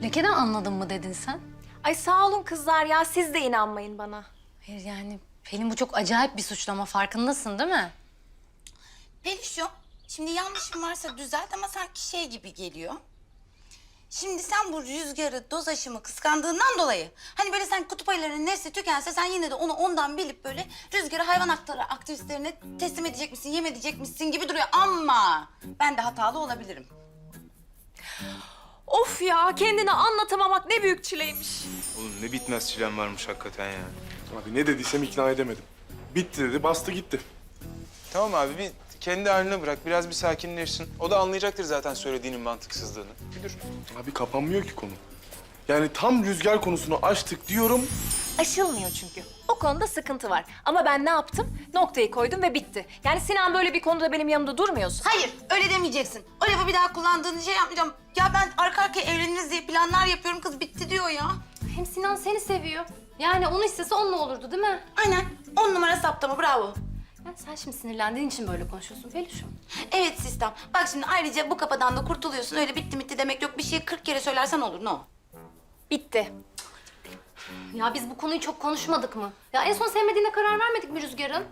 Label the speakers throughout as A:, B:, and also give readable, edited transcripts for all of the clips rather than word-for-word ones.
A: Lekeden anladın mı dedin sen?
B: Ay sağ olun kızlar ya, siz de inanmayın bana.
A: Hayır yani Pelin bu çok acayip bir suçlama, farkındasın değil mi?
C: Peluşum, şimdi yanlışım varsa düzelt ama sanki şey gibi geliyor. Şimdi sen bu Rüzgar'ı, doz aşımı kıskandığından dolayı... ...hani böyle sen kutup ayılarının nesli tükense sen yine de onu ondan bilip böyle... ...Rüzgar'ı hayvan hakları aktivistlerine teslim edecek misin, yem edecek misin gibi duruyor. Ama ben de hatalı olabilirim.
B: Of ya, kendini anlatamamak ne büyük çileymiş.
D: Oğlum ne bitmez çilem varmış hakikaten ya.
E: Abi ne dediysem ikna edemedim. Bitti dedi, bastı gitti.
D: Tamam abi bir kendi haline bırak. Biraz bir sakinleşsin. O da anlayacaktır zaten söylediğinin mantıksızlığını. Bir dur.
E: Abi kapanmıyor ki konu. Yani tam Rüzgar konusunu açtık diyorum.
B: Aşılmıyor çünkü. O konuda sıkıntı var. Ama ben ne yaptım? Noktayı koydum ve bitti. Yani Sinan böyle bir konuda benim yanımda durmuyorsun.
C: Hayır, öyle demeyeceksin. O lafı bir daha kullandığını şey yapmayacağım. Ya ben arka arkaya evleniriz diye planlar yapıyorum. Kız bitti diyor ya.
A: Hem Sinan seni seviyor. Yani onu istese onunla olurdu değil mi?
C: Aynen. 10 numara saptama, bravo.
A: Ya sen şimdi sinirlendiğin için böyle konuşuyorsun Peluş'um.
C: Evet sistem. Bak şimdi ayrıca bu kafadan da kurtuluyorsun. Öyle bitti demek yok. Bir şeyi 40 kere söylersen olur. No.
B: Bitti.
A: Ya biz bu konuyu çok konuşmadık mı? Ya en son sevmediğine karar vermedik mi Rüzgar'ın?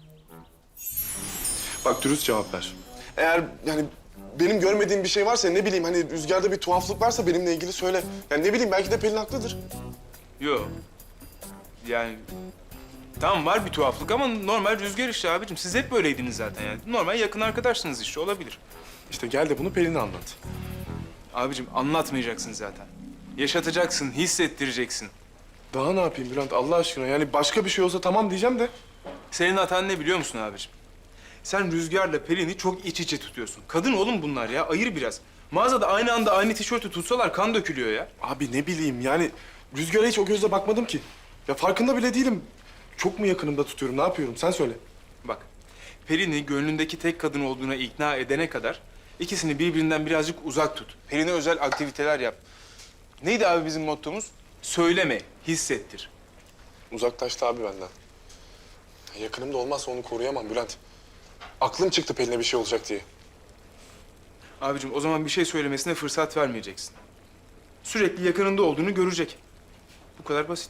E: Bak dürüst cevap ver. Eğer yani benim görmediğim bir şey varsa ne bileyim hani Rüzgar'da bir tuhaflık varsa benimle ilgili söyle. Yani ne bileyim belki de Pelin haklıdır.
D: Yok. Yani tamam var bir tuhaflık ama normal Rüzgar işte abicim. Siz hep böyleydiniz zaten yani. Normal yakın arkadaşsınız işte olabilir.
E: İşte gel de bunu Pelin'e anlat.
D: Abicim anlatmayacaksın zaten. Yaşatacaksın, hissettireceksin.
E: Daha ne yapayım Bülent Allah aşkına? Yani başka bir şey olsa tamam diyeceğim de.
D: Senin hatan ne biliyor musun abicim? Sen Rüzgar'la Pelin'i çok iç içe tutuyorsun. Kadın oğlum bunlar ya, ayır biraz. Mağazada aynı anda aynı tişörtü tutsalar kan dökülüyor ya.
E: Abi ne bileyim yani Rüzgar'a hiç o gözle bakmadım ki. Ya farkında bile değilim. Çok mu yakınımda tutuyorum, ne yapıyorum? Sen söyle.
D: Bak, Pelin'i gönlündeki tek kadın olduğuna ikna edene kadar ikisini birbirinden birazcık uzak tut. Pelin'e özel aktiviteler yap. Neydi abi bizim mottomuz? Söyleme, hissettir.
E: Uzaklaştı abi benden. Yakınımda olmazsa onu koruyamam Bülent. Aklım çıktı Pelin'e bir şey olacak diye.
D: Abicim o zaman bir şey söylemesine fırsat vermeyeceksin. Sürekli yakınında olduğunu görecek. Bu kadar basit.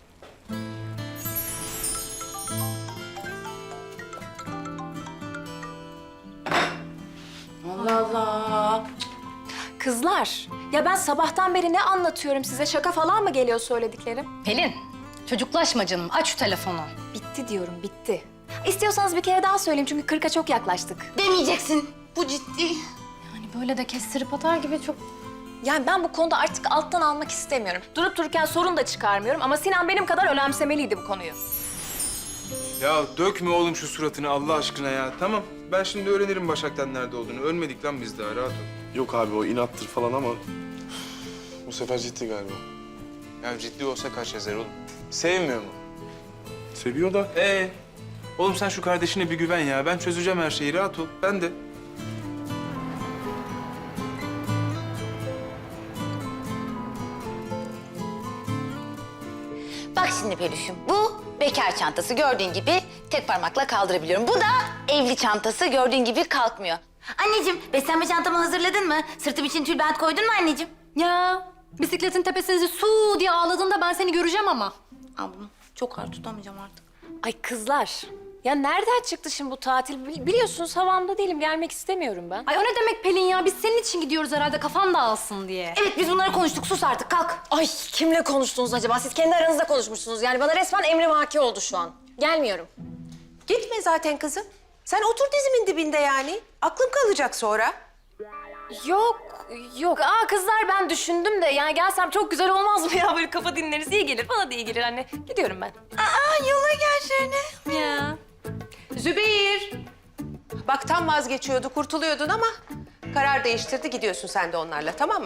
C: Allah Allah.
B: Kızlar, ya ben sabahtan beri ne anlatıyorum size? Şaka falan mı geliyor söylediklerim?
A: Pelin, çocuklaşma canım. Aç şu telefonu.
B: Bitti diyorum, bitti. İstiyorsanız bir kere daha söyleyeyim çünkü 40'a çok yaklaştık.
C: Demeyeceksin. Bu ciddi.
A: Yani böyle de kestirip atar gibi çok...
B: Yani ben bu konuda artık alttan almak istemiyorum. Durup dururken sorun da çıkarmıyorum ama Sinan benim kadar önemsemeliydi bu konuyu.
D: Ya dökme oğlum şu suratını Allah aşkına ya. Tamam, ben şimdi öğrenirim Başak'tan nerede olduğunu. Ölmedik lan biz daha, rahat ol.
E: Yok abi o inattır falan ama... Bu sefer ciddi galiba.
D: Ya ciddi olsa kaç yazar oğlum? Sevmiyor mu?
E: Seviyor da.
D: Oğlum sen şu kardeşine bir güven ya. Ben çözeceğim her şeyi, rahat ol. Ben de.
C: Bak şimdi Peluş'um, bu bekar çantası gördüğün gibi tek parmakla kaldırabiliyorum. Bu da evli çantası gördüğün gibi kalkmıyor. Anneciğim, beslenme çantamı hazırladın mı? Sırtım için tülbent koydun mu anneciğim?
A: Ya bisikletin tepesinde su diye ağladığında ben seni göreceğim ama.
C: Al bunu. Çok ağır tutamayacağım artık.
B: Ay kızlar, ya nereden çıktı şimdi bu tatil? Biliyorsunuz havamda değilim, gelmek istemiyorum ben.
A: Ay o ne demek Pelin ya? Biz senin için gidiyoruz herhalde kafan dağılsın diye.
C: Evet, biz bunları konuştuk. Sus artık, kalk.
B: Ay kimle konuştunuz acaba? Siz kendi aranızda konuşmuşsunuz. Yani bana resmen emrivaki oldu şu an. Gelmiyorum.
F: Gitme zaten kızım. Sen otur dizimin dibinde yani. Aklım kalacak sonra.
B: Yok. Aa kızlar ben düşündüm de yani gelsem çok güzel olmaz mı ya? Böyle kafa dinleriz, iyi gelir. Bana da iyi gelir anne. Gidiyorum ben.
C: Aa, yola gelsene.
B: Ya.
F: Zübeyir. Bak tam vazgeçiyordu, kurtuluyordun ama karar değiştirdi. Gidiyorsun sen de onlarla, tamam mı?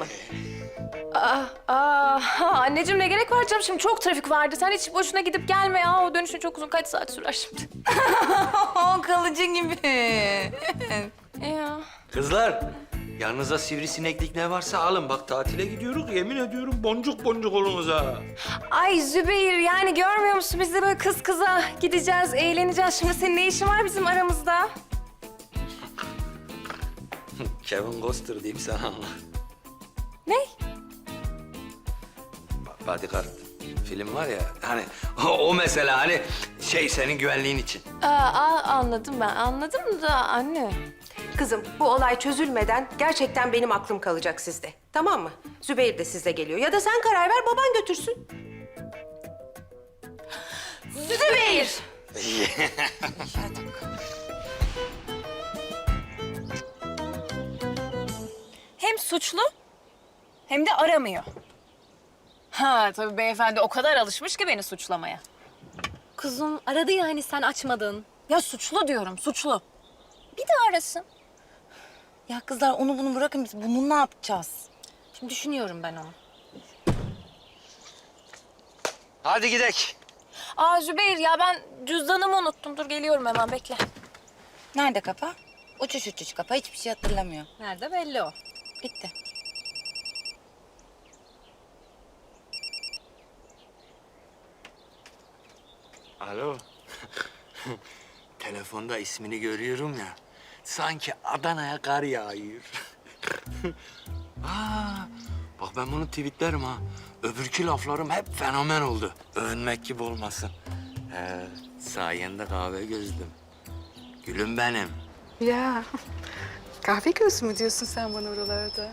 B: Anneciğim ne gerek var canım? Şimdi çok trafik vardı. Sen hiç boşuna gidip gelme ya. O dönüşün çok uzun. Kaç saat sürer şimdi?
C: O kalıcı gibi.
B: Ya.
G: Kızlar, yanınıza sivrisineklik ne varsa alın. Bak tatile gidiyoruz, yemin ediyorum boncuk boncuk olunuz ha.
B: Ay Zübeyir yani görmüyor musun? Biz de böyle kız kıza gideceğiz, eğleneceğiz. Şimdi senin ne işin var bizim aramızda?
G: Kevin Costner diyeyim sana.
B: Ne?
G: Bodyguard film var ya hani o mesela hani şey senin güvenliğin için.
B: Anladım ben. Anladım da anne.
F: Kızım bu olay çözülmeden gerçekten benim aklım kalacak sizde. Tamam mı? Zübeyir de sizle geliyor. Ya da sen karar ver baban götürsün.
B: Zübeyir! Hem suçlu hem de aramıyor. Ha tabii beyefendi o kadar alışmış ki beni suçlamaya.
A: Kuzum aradı ya hani sen açmadın.
B: Ya suçlu diyorum, suçlu. Bir de arasın.
C: Ya kızlar onu bunu bırakın biz bunu ne yapacağız?
A: Şimdi düşünüyorum ben onu.
G: Hadi gidek.
B: Zübeyir ya ben cüzdanımı unuttum. Dur geliyorum hemen bekle.
C: Nerede kafa? Uçuş uçuş kafa hiçbir şey hatırlamıyor.
B: Nerede belli o.
C: Bitti.
G: Alo. Telefonda ismini görüyorum ya. Sanki Adana'ya kar yağıyor. Bak ben bunu tweetlerim ha. Öbürkü laflarım hep fenomen oldu. Övünmek gibi olmasın. Sayende kahve gözlüm. Gülüm benim.
H: Ya kahve gözü mü diyorsun sen bana oralarda?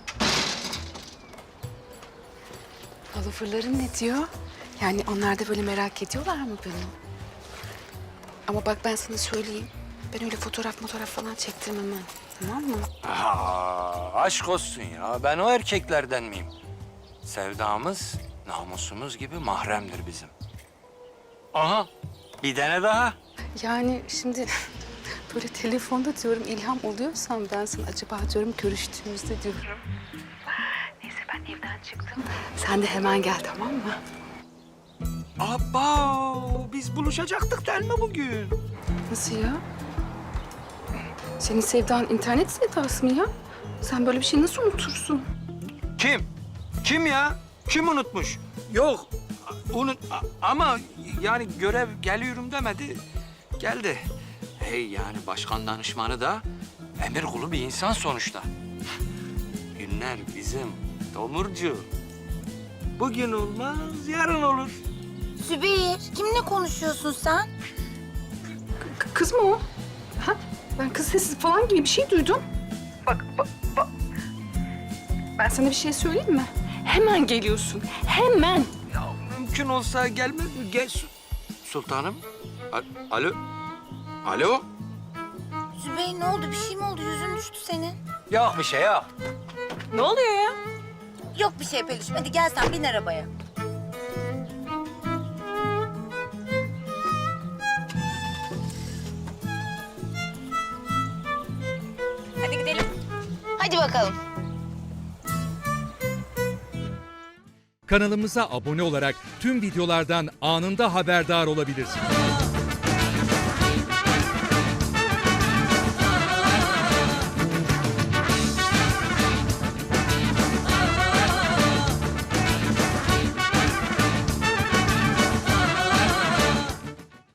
H: Follower'ların ne diyor? Yani onlar da böyle merak ediyorlar mı beni? Ama bak ben sana söyleyeyim. Ben öyle fotoğraf falan çektirmem ha. Tamam mı?
G: Aşk olsun ya. Ben o erkeklerden miyim? Sevdamız, namusumuz gibi mahremdir bizim. Aha, bir tane daha.
H: Yani şimdi böyle telefonda diyorum ilham oluyorsam ben sana acaba diyorum görüştüğümüzde diyorum. Neyse ben evden çıktım. Sen de hemen gel tamam mı?
G: Abba, biz buluşacaktık değil mi bugün?
H: Nasıl ya? Senin sevdan internet sevdası mı ya? Sen böyle bir şey nasıl unutursun?
G: Kim? Kim ya? Kim unutmuş? Yok, ama yani görev geliyorum demedi. Geldi. Hey yani başkan danışmanı da emir kulu bir insan sonuçta. Günler bizim Tomurcu. Bugün olmaz, yarın olur.
C: Zübeyir kimle konuşuyorsun sen?
H: Kız mı o? Ha? Ben kız sesi falan gibi bir şey duydum. Bak. Ben sana bir şey söyleyeyim mi? Hemen geliyorsun. Hemen.
G: Ya mümkün olsa gelmez mi? Gel sultanım. Alo? Alo?
C: Zübeyir ne oldu? Bir şey mi oldu? Yüzün düştü senin.
G: Yok bir şey yok.
B: Ne oluyor ya?
C: Yok bir şey Peluş'um. Hadi gel sen bin arabaya.
B: Hadi gidelim.
C: Hadi bakalım.
I: Kanalımıza abone olarak tüm videolardan anında haberdar olabilirsiniz.